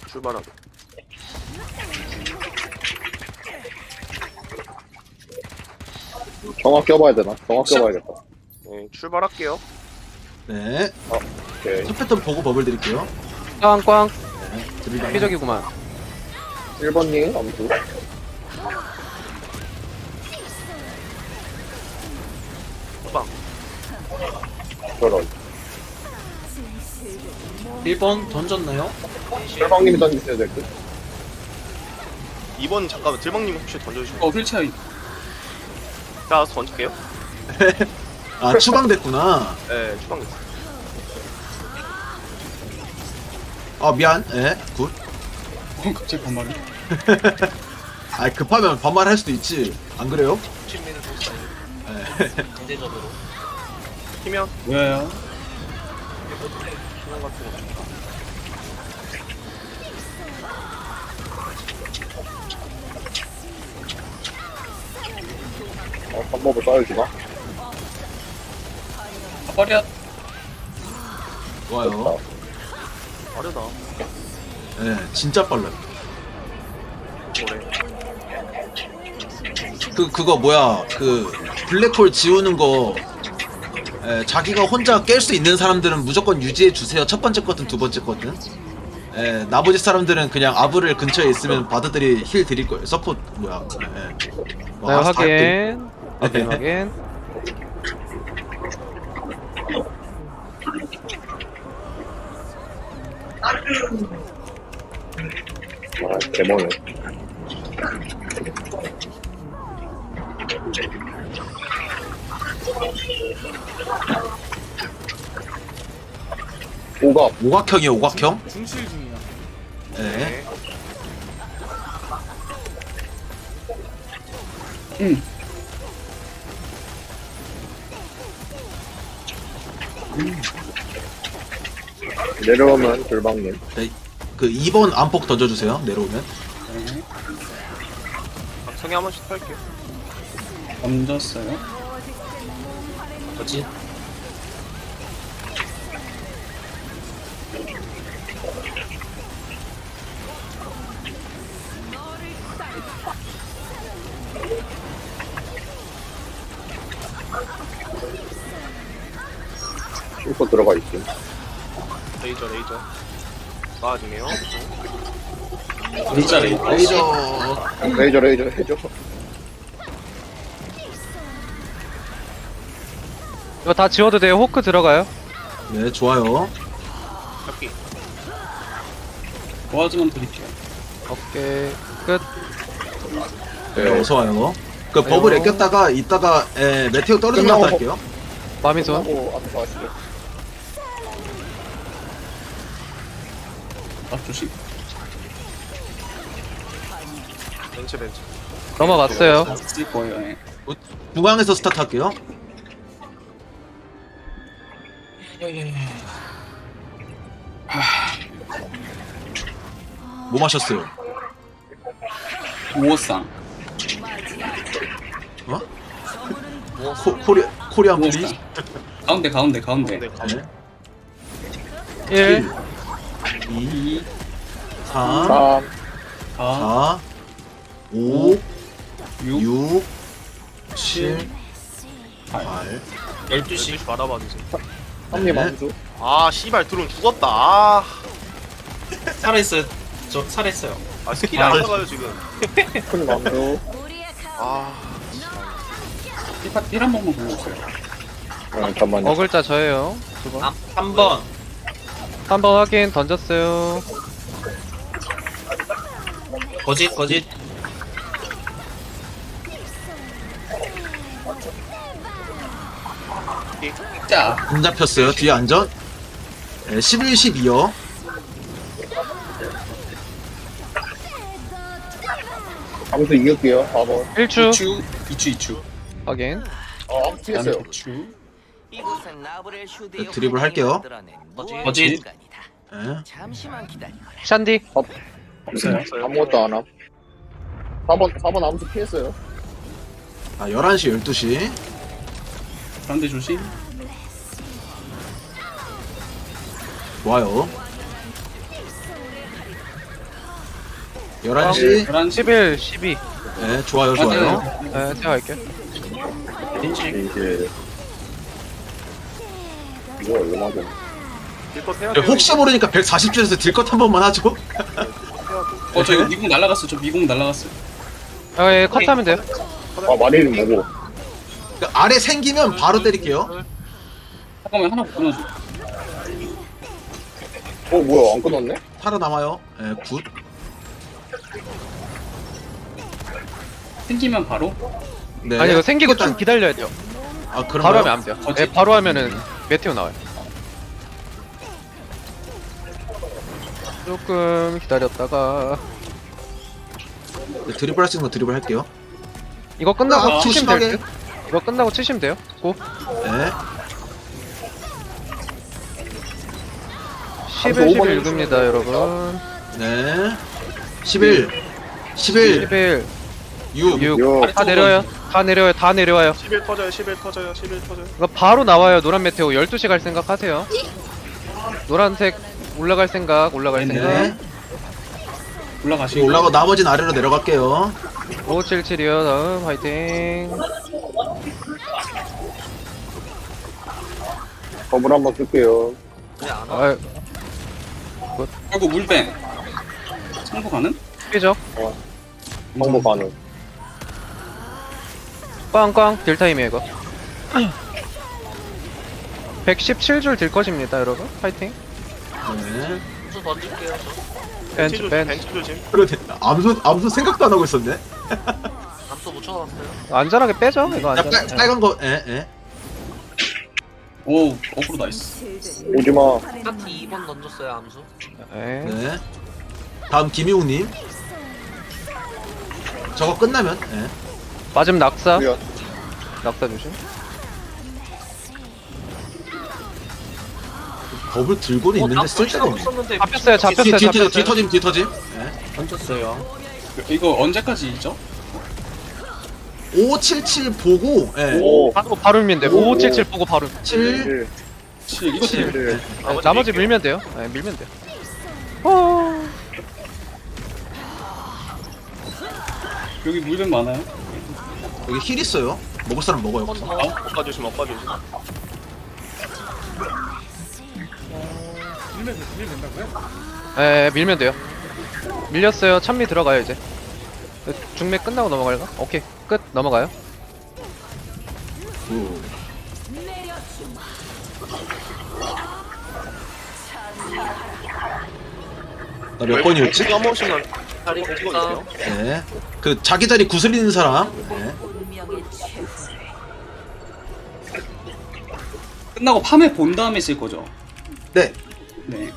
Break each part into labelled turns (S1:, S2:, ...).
S1: 출발하게.
S2: 정확 껴봐야 되나? 정확 껴봐야겠다.
S1: 네, 출발할게요.
S3: 네.
S2: 오케이.
S3: 첫 패턴 보고 버블 드릴게요.
S4: 꽝꽝
S3: 네. 드리다.
S4: 회적이구만.
S2: 1번님, 암수.
S1: 빵.
S2: 저런.
S3: 1번 던졌나요?
S2: 철방님이 던지셔야 될 듯.
S1: 2번 잠깐만 들방님 혹시 던져주시면.
S5: 휠체어
S1: 자 던질게요.
S3: 아, 추방됐구나.
S1: 네, 추방.
S3: 아, 미안. 예, 굿.
S5: 갑자기 반말이.
S3: 아, 급하면 반말할 수도 있지. 안 그래요?
S6: 친미는 좋습니다.
S3: 예.
S6: 경제적으로.
S1: 키면
S5: 왜요?
S1: 키면 같은 거.
S2: 방법을 써야지나?
S5: 버려.
S3: 좋아요.
S1: 빠르다.
S3: 예, 진짜 빨라요.
S1: 뭐래?
S3: 그거 뭐야, 블랙홀 지우는 거, 예, 자기가 혼자 깰 수 있는 사람들은 무조건 유지해 주세요. 첫 번째 거든 두 번째 거든. 예, 나머지 사람들은 그냥 아브를 근처에 있으면 바드들이 힐 드릴 거예요. 서포트, 뭐야. 예.
S4: 네,
S3: 와,
S4: 확인.
S3: 네.
S4: 확인.
S2: 아, 데모네. 오갑.
S3: 오각형이에요, 오각형.
S5: 중실 중이야.
S3: 예.
S1: 네.
S5: 응.
S2: 내려오면 돌방님.
S3: 네, 그 2번 안폭 던져주세요. 내려오면.
S5: 네.
S1: 각성에 한 번씩 탈게요.
S5: 던졌어요.
S6: 뭐지?
S2: 슈퍼 들어가 있음.
S1: 레이저. 쏴주네요.
S5: 진짜
S3: 레이저.
S2: 레이저 해줘.
S4: 이거 다 지워도 돼요. 호크 들어가요.
S3: 네, 좋아요.
S1: 잡기.
S5: 도와주면 드릴게요.
S4: 오케이. 끝.
S3: 네, 어서 와요. 그 버블
S4: 아유.
S3: 애꼈다가 이따가 메테오 떨어지면
S2: 끝나고
S3: 할게요.
S4: 마미손.
S2: 하고 앞에서 하시죠.
S5: 아, 조심.
S1: 벤츠.
S4: 넘어갔어요.
S5: 쓸 거예요. 예.
S3: 중앙에서 스타트 할게요. 뭐 마셨어요?
S5: 우호상.
S3: 어? 코리안 플리즈?
S5: 우호상. 가운데.
S1: 네, 가면.
S3: 네.
S4: 1.
S3: 2,
S5: 2,
S3: 3,
S2: 3,
S5: 4,
S3: 4, 5,
S5: 6,
S3: 6, 7,
S5: 8.
S3: 8.
S6: 12시.
S1: 12시 받아봐주세요.
S2: 3님
S3: 네.
S2: 암수.
S1: 아 씨발 드론 죽었다. 아,
S6: 살아있어요. 저 살아있어요.
S1: 스킬이 안 나가요 지금.
S2: 큰 암수.
S1: 아,
S5: 힐 한 번만 보여주세요.
S2: 잠깐만요.
S4: 어글자 저예요. 두 번.
S6: 3번.
S4: 3번 확인. 던졌어요.
S6: 거짓.
S5: 자,
S3: 안 잡혔어요. 뒤에 안전. 11, 12요.
S2: 암수 이길게요. 4번.
S4: 1추.
S5: 2추.
S4: 확인.
S2: 암수 피했어요.
S5: 2추.
S3: 드리블 할게요.
S6: 거짓.
S3: 네.
S7: 잠시만 기다리거라.
S4: 샨디.
S5: 없어요.
S2: 아무것도 안 함. 4번 암수 피했어요.
S3: 아, 11시, 12시.
S5: 가운데 조심.
S3: 좋아요. 11시.
S5: 11시
S4: 11, 12.
S3: 네, 좋아요, 좋아요.
S4: 네, 제가 할게요.
S6: 린지.
S2: 이제 이거 얼마죠?
S1: 딜컷 해야
S3: 네,
S1: 돼.
S3: 혹시 모르니까 140줄에서 딜컷 한 번만 하죠.
S5: 저 이거 미국 날라갔어. 저 미국 날라갔어요.
S4: 아, 예, 컷하면 돼요.
S2: 아 마리는 뭐고?
S3: 그러니까 아래 생기면 바로 때릴게요.
S5: 잠깐만 하나 끊어줘.
S2: 뭐야 안 끊었네?
S3: 살아남아요. 네, 굿.
S5: 생기면 바로.
S3: 네.
S4: 아니, 이거 생기고
S3: 일단-
S4: 좀 기다려야 돼요.
S3: 아, 그런가요?
S4: 바로 하면 안 돼요.
S5: 거짓.
S4: 네, 바로 하면은 메테오 나와요. 조금 기다렸다가
S3: 네, 드리블 할 수 있는 거 드리블 할게요.
S4: 이거 끝나고
S3: 아,
S4: 치시면 될
S3: 조심하게.
S4: 듯? 이거 끝나고 치시면 돼요. 고.
S3: 네.
S4: 11, 11 6입니다, 여러분.
S3: 네. 11. 11.
S4: 11,
S3: 6.
S4: 6.
S2: 요
S4: 다 내려요. 다 내려요. 다 내려와요.
S1: 11 터져요. 11 터져요. 11 터져요.
S4: 이거 바로 나와요. 노란 메테오 12시 갈 생각 하세요. 노란색 올라갈 생각, 올라갈
S5: 네.
S4: 생각.
S3: 네.
S5: 올라가시고.
S3: 올라가고 나머지는 아래로 내려갈게요.
S4: 577이요. 다음 화이팅.
S2: 버블 한번 쓸게요.
S4: 아,
S5: 아이고 물뱀. 참고 가는?
S4: 피죠.
S2: 정보 가능.
S4: 꽝꽝 딜타임이에요 이거. 117줄 딜컷입니다 여러분. 파이팅.
S3: 네.
S6: 수 던질게요.
S4: 벤츠
S1: 벤치
S4: 벤츠.
S1: 벤치 조심.
S3: 그러네. 암수 생각도 안 하고 있었네.
S6: 암수 못 쳐놨어요.
S4: 안전하게 빼죠 이거
S3: 자,
S4: 안전.
S3: 빨간 거, 예, 예.
S5: 오 어프로 나이스.
S2: 오지마.
S6: 파티 2번 던졌어요. 암수.
S4: 네.
S3: 네. 다음 김희웅님. 저거 끝나면, 예.
S4: 맞음 낙사.
S2: 미안.
S4: 낙사 조심.
S3: 법을 들고는 있는데 쓸 데가 없네.
S6: 썼는데
S4: 잡혔어요 잡혔어요 잡혔어요.
S3: 뒤터짐, 뒤터짐. 예.
S6: 던졌어요.
S5: 이거 언제까지 있죠?
S3: 577 보고, 예.
S2: 오.
S4: 바로 밀면 돼요. 5577 보고 바로.
S3: 7,
S5: 7 이거 7.
S2: 칠.
S4: 네, 나머지 밀면 돼요. 네, 밀면 돼요. 어.
S5: 여기 물뱀 많아요.
S3: 여기 힐 있어요. 먹을 사람 먹어요.
S1: 엇가 조심. 엇가 조심.
S4: 네, 밀면 돼요. 밀렸어요. 찬미 들어가요 이제. 중매 끝나고 넘어갈까? 오케이 끝 넘어가요.
S3: 굿. 나 몇 번이었지?
S1: 한 번씩만
S6: 다리
S1: 찍어주세요.
S3: 네. 그 자기 자리 구슬리는 사람. 네.
S5: 끝나고 팜에 본 다음에 쓸 거죠.
S3: 네.
S5: 네.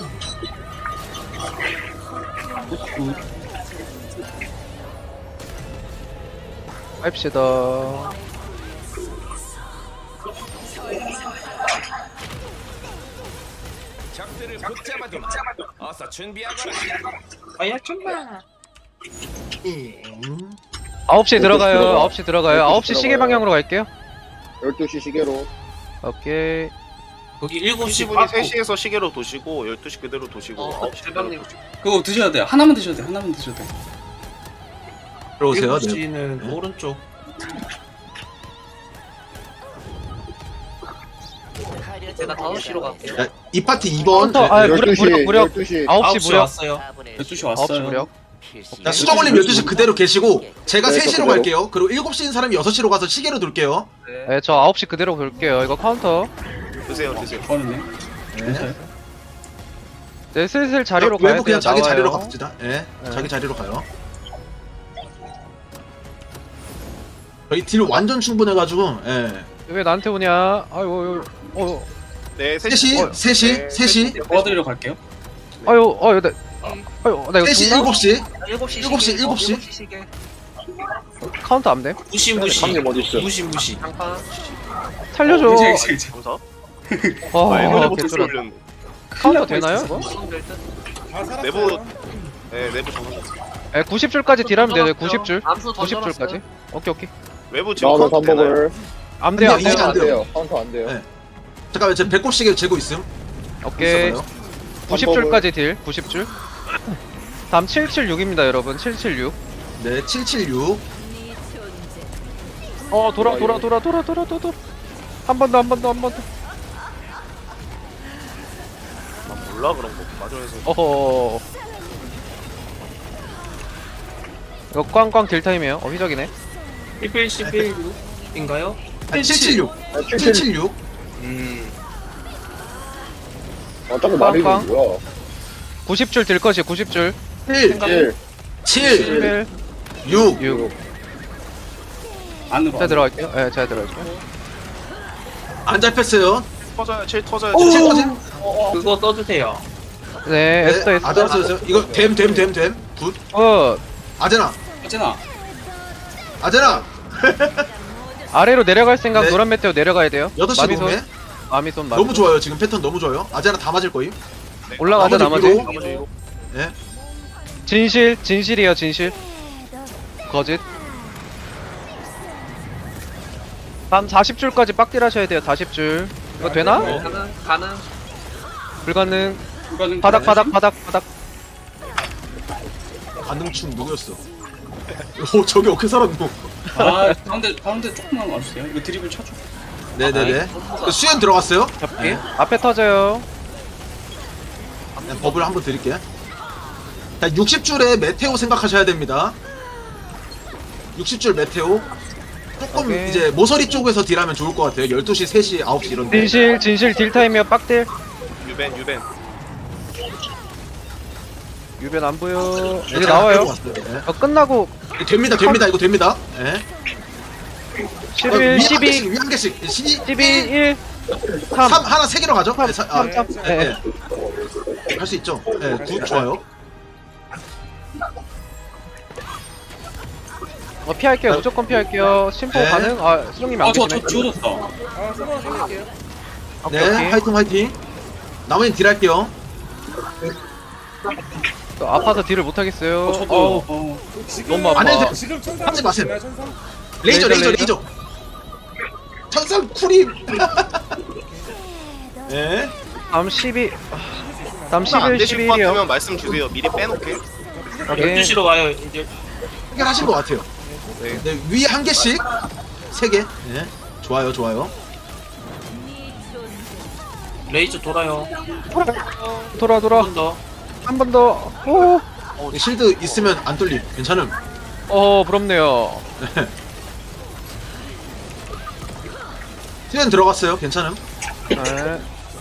S4: 합시다.
S6: 아야 좀만.
S4: 9시에 들어가요. 9시 들어가요. 9시 시계
S2: 들어가요.
S4: 방향으로 갈게요.
S2: 12시 시계로.
S4: 오케이.
S6: 거기 7시
S1: 20분이 3시에서 시계로 도시고 12시 그대로 도시고 9시 그대로
S6: 대박님.
S1: 도시고.
S5: 그거 드셔야 돼요. 하나만 드셔야 돼요. 하나만 드셔야 돼요.
S3: 들어오세요. 네.
S6: 7시는
S3: 네.
S6: 오른쪽. 제가 5시로 갈게요.
S3: 자, 이 파티 2번.
S4: 카운터, 아, 무력,
S2: 12시.
S4: 무력.
S2: 12시.
S4: 9시
S6: 9시
S4: 무력.
S6: 왔어요.
S5: 12시
S4: 9시
S5: 왔어요.
S4: 무력.
S3: 자, 수정올림 12시 그대로 계시고, 제가
S2: 네,
S3: 3시로
S2: 그대로.
S3: 갈게요. 그리고 7시인 사람이 6시로 가서 시계로 돌게요.
S4: 네, 저 9시 그대로 볼게요. 이거 카운터.
S1: 드세요. 드세요.
S5: 저는요.
S3: 네.
S4: 네, 슬슬 자리로 가야
S3: 외부
S4: 돼요.
S3: 그냥 자기
S4: 나와요.
S3: 자리로 갑시다. 예.
S4: 네.
S3: 자기 자리로 가요. 저희 딜 완전 충분해가지고, 예.
S4: 왜 나한테 오냐? 아유,
S1: 네,
S3: 3시, 3시,
S1: 네,
S3: 3시,
S5: 도와드리러 갈게요.
S4: 아유, 나 이거
S3: 3시,
S4: 죽나?
S3: 7시.
S6: 7시
S3: 7시, 7시.
S6: 시계.
S4: 카운터 안 돼?
S6: 무시 무시.
S2: 형님 어디 있어?
S6: 무시 무시.
S1: 장판.
S4: 살려줘.
S5: 이제.
S1: 감사.
S4: 와,
S1: 일본에
S4: 개쩔어.
S1: 목소리 올렸네.
S4: 카운터 되나요? 이거?
S1: 내부 네, 내부 정상.
S4: 네, 90줄까지 딜하면 돼요. 90줄.
S6: 암수
S4: 90줄까지. 오케이.
S1: 외부 지금
S2: 나와서
S1: 카운트 되나요?
S2: 3법을.
S4: 안 돼요, 안
S3: 이제
S4: 돼요.
S3: 안
S2: 안
S3: 돼요.
S2: 돼요. 카운터 안 돼요.
S3: 네. 잠깐만, 제 배꼽 시계 재고 있음.
S4: 오케이.
S3: 있어봐요.
S4: 90줄까지 딜. 90줄. 다음 776입니다 여러분. 776.
S3: 네, 776.
S4: 돌아. 한 번 더.
S1: 난 몰라 그런 거. 마저에서.
S4: 어허. 이거 꽝꽝 딜타임이에요. 휘적이네.
S6: 11인가요?
S3: 776. 776.
S2: 자꾸 말이
S4: 빵빵.
S2: 뭐야.
S4: 90줄 딜 것이 90줄.
S3: 1,
S2: 1.
S3: 7,
S4: 11,
S3: 6.
S4: 6.
S5: 안으로.
S4: 제가 들어갈게요. 네, 제가 들어갈게요.
S3: 안 잡혔어요.
S1: 터져요. 7 터져요.
S3: 7
S1: 7
S3: 터진.
S6: 그거 써주세요.
S4: 네, 에스터.
S3: 아자나 써주세요. 이거 됨. 굿. 아제나.
S5: 하진아.
S4: 아래로 내려갈 생각.
S3: 네.
S4: 노란 메테오 내려가야 돼요.
S3: 8시 동네.
S4: 마미손.
S3: 너무 좋아요. 지금 패턴 너무 좋아요. 아제나 다 맞을 거임.
S4: 올라가자 나머지.
S3: 위로.
S1: 나머지 이거.
S3: 예.
S4: 진실이에요 진실. 거짓. 한 40줄까지 빡딜 하셔야 돼요. 40줄. 이거 되나?
S6: 가능.
S4: 불가능.
S5: 이거는
S4: 바닥.
S3: 반응충 누구였어? 오, 저기 어떻게 살았노?
S5: 아 가운데 조금만 와주세요. 이거 드리블 쳐줘.
S3: 네네네. 그 수연 들어갔어요?
S4: 잡기.
S3: 네.
S4: 앞에 터져요.
S3: 네, 버블 한번 드릴게요. 자, 60줄에 메테오 생각하셔야 됩니다. 60줄 메테오. 조금
S4: 오케이.
S3: 이제 모서리 쪽에서 딜하면 좋을 것 같아요. 12시, 3시, 9시 이런데.
S4: 진실 딜 타임이요. 빡딜.
S1: 유벤.
S4: 유변 안 보여.
S3: 네,
S4: 이제
S3: 제가
S4: 나와요.
S3: 끌고 왔어요. 네.
S4: 끝나고
S3: 됩니다. 이거 됩니다. 네.
S4: 11, 12,
S3: 위 한 개씩.
S4: 12, 1, 3.
S3: 3 하나 3개로 가죠? 네,
S4: 3. 네.
S3: 할 수 있죠. 네, 굿 좋아요.
S4: 피할게요. 무조건 피할게요. 심포
S3: 네.
S4: 가능? 수정님이 안
S5: 저
S4: 계시네.
S5: 지워졌다.
S3: 네, 화이팅. 나머지는 딜할게요.
S4: 또 아파서 딜을 못 하겠어요.
S5: 저도.
S4: 너무 아파.
S3: 안 해도 하지 마세요. 레이저. 천상 쿨이. 네.
S4: 다음 12. 다음
S1: 안
S4: 11,
S1: 되실 것
S4: 11이요.
S1: 같으면 말씀 주세요. 미리 빼놓게.
S4: 오케이.
S6: 12시로 와요. 이제
S3: 해결하신 것 같아요. 네, 위에 한 개씩 3개. 네, 좋아요.
S6: 레이저 돌아요.
S4: 돌아.
S6: 한 번 더.
S4: 한 번 더. 오.
S3: 실드 있으면 안 뚫림. 괜찮음.
S4: 부럽네요.
S3: 수연 들어갔어요. 괜찮음.
S4: 네.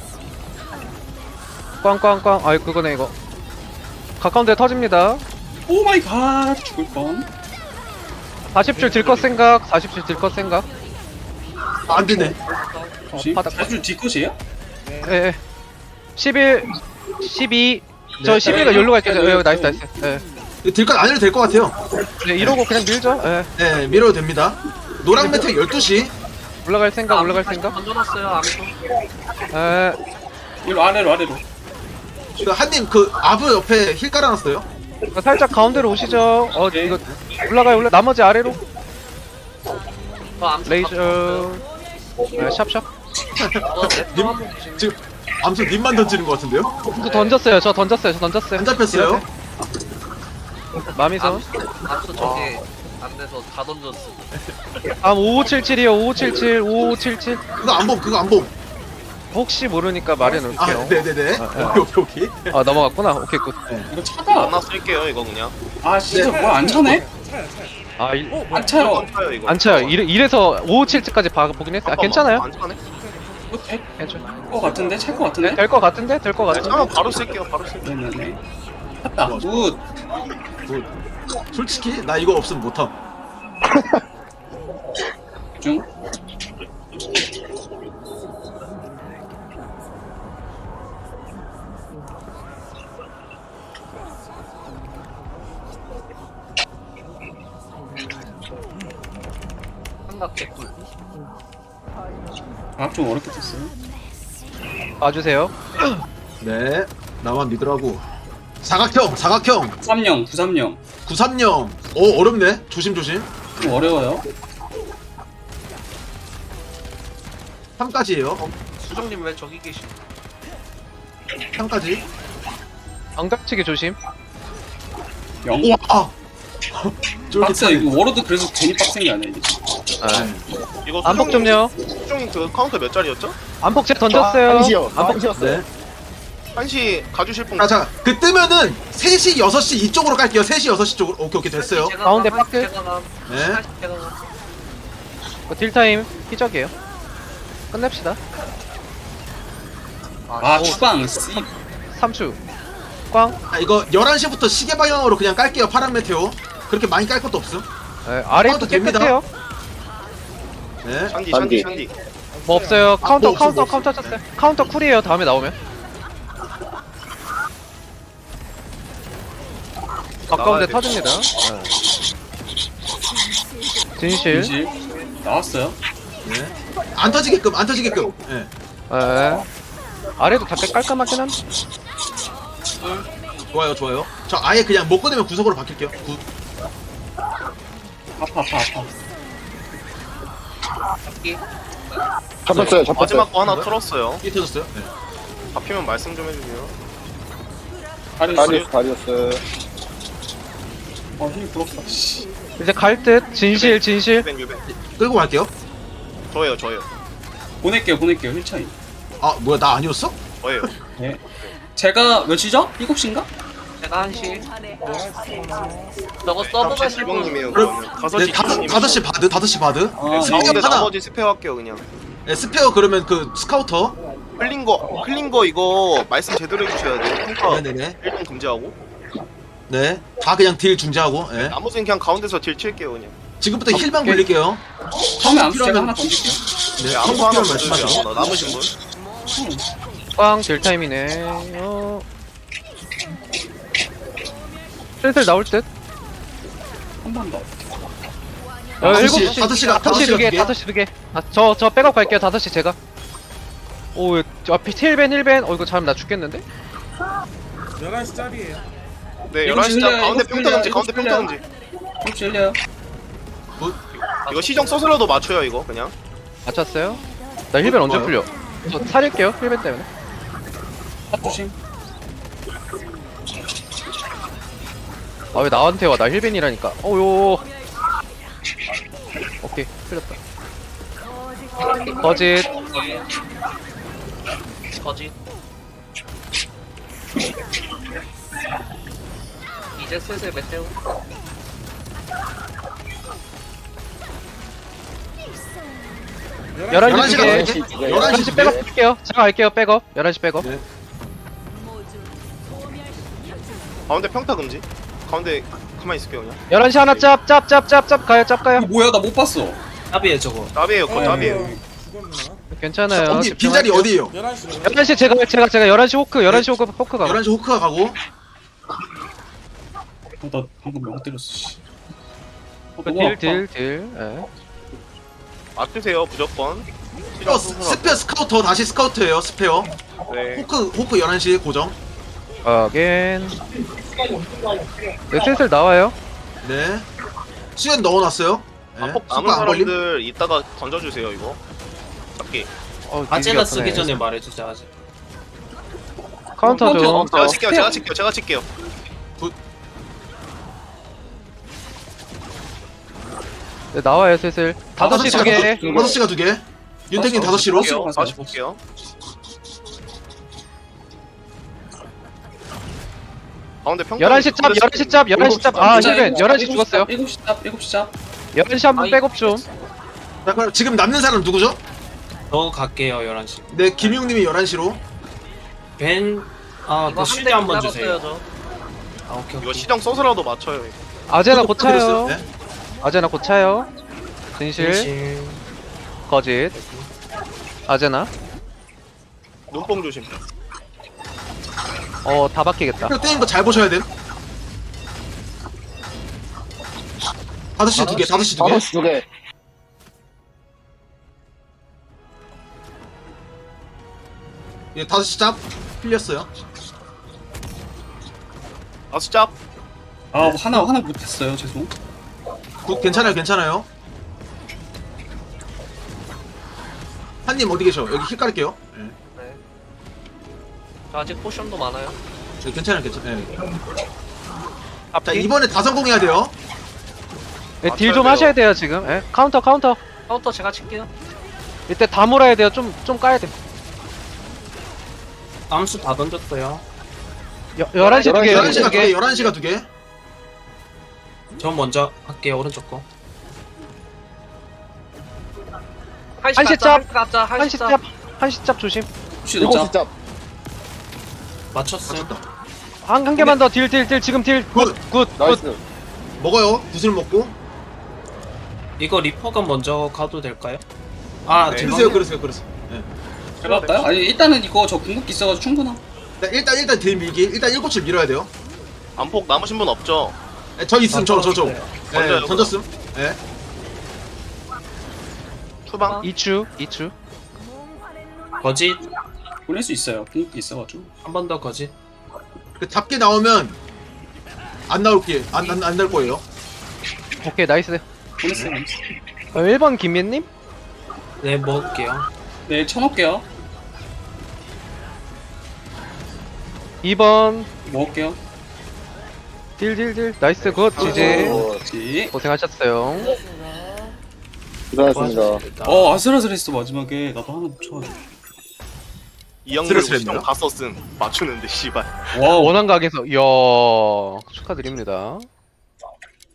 S4: 꽝꽝꽝. 그거네 이거. 가까운 데 터집니다.
S5: 오 마이 갓. 죽을 뻔.
S4: 40줄 딜 것 생각. 40줄 딜 것 생각.
S3: 안 되네.
S5: 혹시
S4: 바닥.
S5: 자주 뒤컷이에요?
S4: 예. 11, 12. 저
S3: 네.
S4: 12가 여기로 갈게요. 나이스. 예.
S3: 딜컷 안 해도 될 것 같아요.
S4: 네, 이러고 그냥 밀죠. 예.
S3: 네, 밀어도 됩니다. 노랑 매트 12시.
S4: 올라갈 생각.
S6: 던져놨어요. 아무튼.
S4: 예.
S5: 이로 아래로.
S3: 그 한님 그 아브 옆에 힐 깔아놨어요.
S4: 살짝 가운데로 오시죠. 이거 올라가요. 나머지 아래로. 레이저. 네, 샵샵.
S3: 님 지금 암수 님만 던지는 것 같은데요?
S4: 저 던졌어요.
S3: 안 잡혔어요.
S4: 마미선.
S6: 암수 저기 안 돼서 다 던졌어.
S4: 다음 5577이요. 5577.
S3: 그거 안 봄.
S4: 혹시 모르니까 말해
S3: 아,
S4: 놓을게요.
S3: 네네네. 오케이.
S4: 넘어갔구나. 오케이 굿.
S5: 이거 차다.
S1: 하나 쓸게요. 이거 그냥.
S5: 아 진짜 뭐 안 차네? 안 차요.
S1: 차요 이거.
S4: 안 차요. 이래서 557까지 보긴 했어요. 괜찮아요?
S1: 안 차네.
S5: 이거
S4: 괜찮아.
S5: 될거 같은데? 찰 거 같은데?
S4: 될 것 같은데?
S1: 차면 바로 쓸게요.
S5: 네네네. 찼다. 굿.
S3: 솔직히 나 이거 없으면 못함.
S5: 중.
S6: 삼각 개꿀.
S5: 좀 어렵게 됐어요.
S4: 봐주세요.
S3: 네. 나만 믿으라고. 사각형.
S5: 93령.
S3: 930. 오, 어렵네. 조심.
S5: 좀 어려워요.
S3: 3까지예요.
S6: 수정님 왜 저기 계시?
S3: 3까지.
S4: 방각치기 조심.
S5: 영.
S3: 우와! 아!
S5: 빡세 이거 워로드 그래서 괜히 빡센 게 아니야 이게.
S1: 이거
S4: 안폭 좀요.
S1: 수종 그 카운터 몇 짜리였죠?
S4: 안폭 제 던졌어요.
S2: 한시요.
S4: 안폭
S2: 한시였어요.
S3: 네.
S1: 1시 가주실 분.
S3: 자, 그 뜨면은 3시, 6시 이쪽으로 깔게요. 3시, 6시 쪽으로. 오케이, 됐어요.
S4: 가운데 박스.
S3: 네.
S4: 딜타임 희적이에요. 끝냅시다.
S5: 아 추방 씨.
S4: 3주. 꽝.
S3: 자, 이거 11시부터 시계 방향으로 그냥 깔게요. 파란 메테오. 그렇게 많이 깔 것도 없음.
S4: 네, 아래도
S3: 카운터 됩니다.
S4: 깨끗해요.
S3: 네.
S1: 샨디.
S4: 뭐 없어요. 카운터
S3: 뭐 없어, 뭐
S4: 카운터 쳤어요. 카운터 쿨이에요. 다음에 나오면. 가까운데
S1: 나가야
S4: 터집니다. 진실.
S5: 진실 나왔어요.
S3: 네. 안 터지게끔, 안 터지게끔. 네.
S4: 네. 아래도 다 깔끔하긴 한데.
S3: 좋아요, 좋아요. 저 아예 그냥 못 꺼내면 구석으로 바뀔게요. 굿.
S5: 아파.
S2: 잡혔어요. 잡혔어요.
S1: 마지막 거 하나 털었어요.
S3: 이 터졌어요? 네.
S1: 잡히면 말씀 좀 해주세요.
S2: 다리였어요.
S5: 힘이 부럽다. 씨.
S4: 이제 갈 듯. 진실.
S1: 유벤.
S3: 끌고 갈게요.
S1: 저예요.
S5: 보낼게요 힐차이.
S3: 아, 뭐야, 나 아니었어?
S1: 저예요.
S5: 네. 제가 몇시죠? 7시인가?
S6: 제가 1시. 저거 서브 가실 분.
S1: 지방님이에요.
S3: 그럼-
S1: 그러면
S3: 네, 5시 바드, 5시 바드.
S5: 아,
S1: 가운데
S3: 하나.
S1: 나머지 스페어 할게요 그냥.
S3: 네, 스페어 그러면 그 스카우터.
S1: 흘린 거 이거 말씀 제대로 해주셔야 돼요. 평가
S3: 네네네.
S1: 1등 금지하고.
S3: 네. 다 그냥 딜 중지하고. 네.
S1: 나머지는 그냥 가운데서 딜 칠게요 그냥.
S3: 지금부터 힐만 굴릴게요.
S5: 처음에 암수 제가
S3: 필요하면-
S5: 하나 던질게요.
S3: 네,
S1: 아무
S3: 한국
S1: 하나
S3: 필요하면
S1: 더
S3: 말씀하세요.
S1: 주세요. 남으신 분.
S4: 꽝 딜타임이네. 슬슬 나올 듯.
S5: 한 번 더.
S3: 5시,
S4: 7시.
S3: 5시가
S4: 5시 두 개.
S3: 5개.
S4: 5시 두 개. 저 백업 갈게요. 5시 제가. 오, 앞이 힐벤. 이거 잘하면 나 죽겠는데?
S7: 11시 짜리에요.
S1: 네,
S5: 일곱
S1: 11시
S5: 시
S1: 짜
S5: 흘려요,
S1: 가운데
S5: 일곱 시
S1: 평타 금지,
S5: 흘려요,
S1: 가운데
S5: 일곱 시
S1: 평타
S5: 흘려요.
S1: 금지.
S5: 혹시 흘려요?
S1: 이거 시정 써서라도 맞춰요, 이거 그냥.
S4: 맞췄어요? 나 힐벤 언제
S3: 뭐요?
S4: 풀려? 저 살릴게요. 힐벤 때문에.
S5: 탑 조심.
S4: 아, 왜 나한테 와? 나 힐벤이라니까. 어요. 오케이. 풀렸다. 거짓.
S6: 거짓. 이제 슬슬 메테오.
S4: 11시 두 개.
S3: 11시
S4: 11시
S3: 두
S4: 백업
S3: 개.
S4: 할게요. 제가 갈게요. 백업. 11시 백업.
S3: 네.
S1: 가운데 평타 금지. 가운데 가만히 있을게요, 그냥.
S4: 11시 하나 짭 가요.
S5: 이거 뭐야? 나 못 봤어.
S6: 답이에요 저거.
S1: 답이에요, 그거 답이에요.
S7: 죽었나?
S4: 괜찮아요.
S3: 언니, 빈자리
S4: 집중할게요.
S3: 어디에요?
S7: 11시로.
S4: 11시 제가 11시 호크 가고.
S3: 11시 호크가 가고.
S5: 나 방금 명 때렸어. 씨.
S4: 딜. 예.
S1: 맞으세요, 무조건.
S3: 스페어, 스페어 스카우터, 다시 스카우터예요, 스페어.
S1: 네.
S3: 호크 11시 고정.
S4: 어겐. 네, 슬슬 나와요.
S3: 네. 수연 넣어놨어요. 네.
S1: 남은
S3: 속도 안 걸림.
S1: 사람들 이따가 던져주세요, 이거. 잡기.
S6: 아재가 쓰기 전에 말해주자 아재.
S4: 카운터 좀.
S1: 제가 칠게요.
S4: 네, 나와요 슬슬. 5시 두 개.
S3: 5시가 2개. 윤택님 5시로.
S1: 볼게요. 다시 볼게요. 가운데 평타.
S4: 11시 짭. 아, 힐벤. 11시 죽었어요.
S5: 7시 짭. 7시 짭.
S4: 11시 한번 백업 좀.
S3: 자, 그럼 지금 남는 사람 누구죠?
S8: 저 갈게요 11시
S3: 네, 김용님이 11시로.
S8: 벤...
S6: 이거
S8: 그 실드 한번 주세요
S6: 저.
S8: 아 오케이
S1: 이거
S8: 오케이
S1: 시정 써서라도 맞춰요. 이거.
S4: 아제나 고차요.
S3: 네.
S4: 아제나 고차요. 진실.
S8: 진실
S4: 거짓. 아제나.
S1: 눈뽕 조심.
S4: 다 바뀌겠다.
S3: 이거 떼는 거 잘 보셔야 돼. 5시 2개, 5시 2개.
S2: 5시 2개.
S3: 예, 5시 짭. 풀렸어요.
S1: 아수 짭.
S5: 아 하나 못했어요. 죄송.
S3: 괜찮아요. 한님 어디 계셔? 여기 힐 깔을게요. 예.
S6: 네. 저 아직 포션도 많아요.
S3: 괜찮아요. 예. 자
S4: 앞뒤.
S3: 이번에 다 성공해야 돼요.
S4: 네, 딜 좀 하셔야 돼요 지금. 예. 카운터.
S6: 카운터 제가 칠게요.
S4: 이때 다 몰아야 돼요. 좀 까야 돼.
S8: 암수 다 던졌어요.
S4: 11시 두 개.
S3: 11시가
S4: 11시 두 개.
S3: 2개 11시가 2개.
S8: 저 먼저 할게요. 오른쪽 거.
S4: 한시 짭.
S6: 가자.
S4: 한시 짭. 한시 짭 조심.
S5: 혹시
S2: 일곱
S5: 넣자.
S2: 시 짭.
S8: 맞췄어요.
S4: 한 개만 더 딜 지금 딜. 굿.
S2: 나이스.
S3: 먹어요. 구슬 먹고.
S8: 이거 리퍼가 먼저 가도 될까요? 아,
S1: 네.
S8: 죄송해요.
S3: 그러세요. 예.
S5: 제가 할까요? 아니 일단은 이거 저 궁극기 있어가지고 충분함.
S3: 일단 딜 밀기. 일단 7시 밀어야 돼요.
S1: 안폭 남으신 분 없죠?
S3: 예, 저 있음 저.
S1: 던져요,
S3: 예, 던졌음. 예.
S1: 투방.
S4: 2추.
S8: 거짓.
S5: 보낼 수 있어요. 궁극기 있어가지고.
S8: 한 번 더 거짓.
S3: 그 답게 나오면 안 나올게. 안 날 거예요.
S4: 오케이 나이스.
S5: 보냈어요.
S4: 1번 김민님?
S8: 네, 먹을게요.
S5: 네, 쳐놓을게요.
S4: 2번
S5: 먹을게요.
S4: 딜. 나이스 굿. 지지.
S5: 그렇지.
S4: 고생하셨어요.
S2: 고생하셨습니다.
S5: 아슬아슬했어 마지막에. 나도 하나 붙여가지고.
S1: 이영렬
S3: 스트레스
S1: 시정 다 썼음. 맞추는데 씨발.
S5: 와우.
S4: 원한 각에서 이야 축하드립니다.